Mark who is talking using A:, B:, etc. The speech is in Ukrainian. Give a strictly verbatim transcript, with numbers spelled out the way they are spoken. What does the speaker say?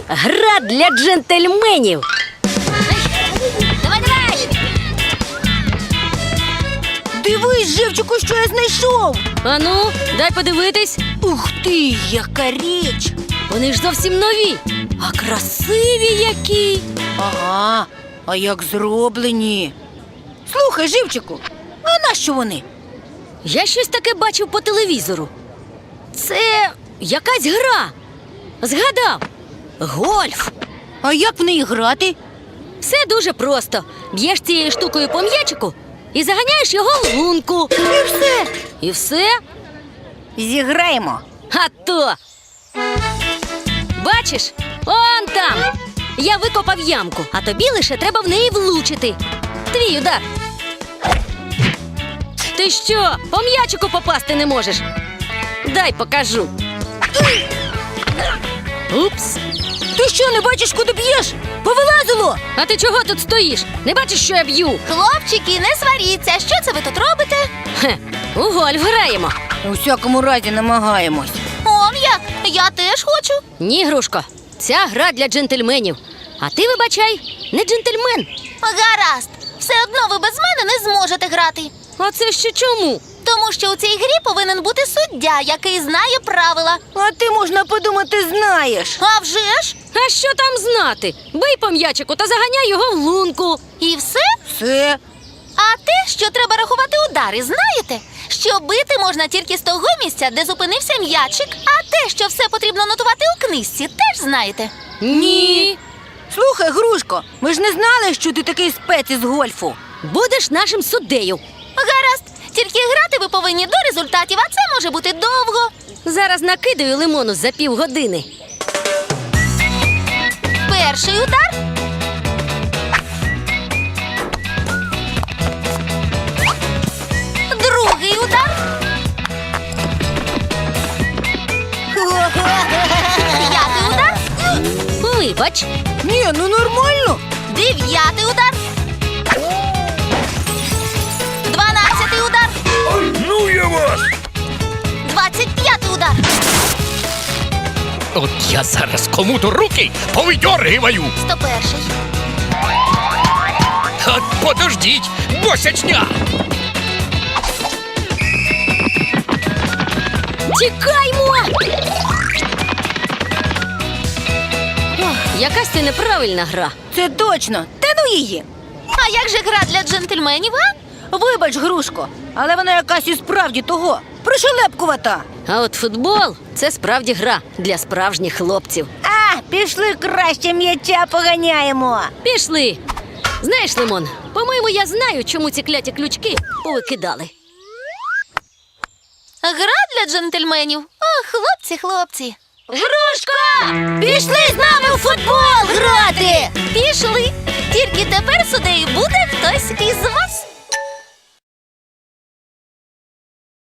A: Гра для джентльменів.
B: Давай, давай!
C: Дивись, Живчику, що я знайшов!
A: Ану, дай подивитись.
C: Ух ти, яка річ!
A: Вони ж зовсім нові. А красиві які.
C: Ага, а як зроблені? Слухай, Живчику, а нащо вони?
A: Я щось таке бачив по телевізору. Це якась гра. Згадав. Гольф.
C: А як в неї грати?
A: Все дуже просто. Б'єш цією штукою по м'ячику і заганяєш його в лунку.
C: І все.
A: І все.
C: Зіграємо.
A: А то. Бачиш? Он там. Я викопав ямку, а тобі лише треба в неї влучити. Твій удар. Ти що, по м'ячику попасти не можеш? Дай покажу. Упс.
C: Ти що, не бачиш, куди б'єш? Повилазило!
A: А ти чого тут стоїш? Не бачиш, що я б'ю?
B: Хлопчики, не сваріться. Що це ви тут робите?
A: Хе, у гольф граємо.
C: У всякому разі намагаємось.
B: Он як? Я теж хочу.
A: Ні, Грушко, ця гра для джентльменів. А ти, вибачай, не джентльмен.
B: Гаразд. Все одно ви без мене не зможете грати.
A: А це ще чому?
B: Тому що у цій грі повинен бути суддя, який знає правила.
C: А ти, можна подумати, знаєш.
B: А вже ж?
A: А що там знати? Бий по м'ячику та заганяй його в лунку.
B: І все?
C: Все.
B: А те, що треба рахувати удари, знаєте? Що бити можна тільки з того місця, де зупинився м'ячик, а те, що все потрібно нотувати у книжці, теж знаєте.
A: Ні.
C: Слухай, Грушко, ми ж не знали, що ти такий спец із гольфу.
A: Будеш нашим суддею.
B: Гаразд, тільки грати ви повинні до результатів, а це може бути довго.
A: Зараз накидаю лимону за півгодини.
B: Перший удар. Другий удар. П'ятий удар.
A: Вибач.
C: Ні, ну нормально.
B: Дев'ятий удар. Дванадцятий удар.
D: Ну я вас!
B: Двадцять п'ятий удар.
D: От я зараз кому-то руки повидьоргиваю!
B: Сто перший.
D: От подождіть, босячня!
A: Тікаймо! Ох, якась це неправильна гра.
C: Це точно. Та ну її.
B: А як же гра для джентльменів, а?
C: Вибач, Грушко, але вона якась і справді того. Пришелепкувата.
A: А от футбол – це справді гра для справжніх хлопців.
C: А, пішли краще м'яча поганяємо.
A: Пішли. Знаєш, Лимон, по-моєму, я знаю, чому ці кляті ключки повикидали.
B: Гра для джентльменів. О, хлопці, хлопці.
A: Грушка!
B: Пішли з нами у футбол грати! Пішли. Тільки тепер суддею буде хтось із вас.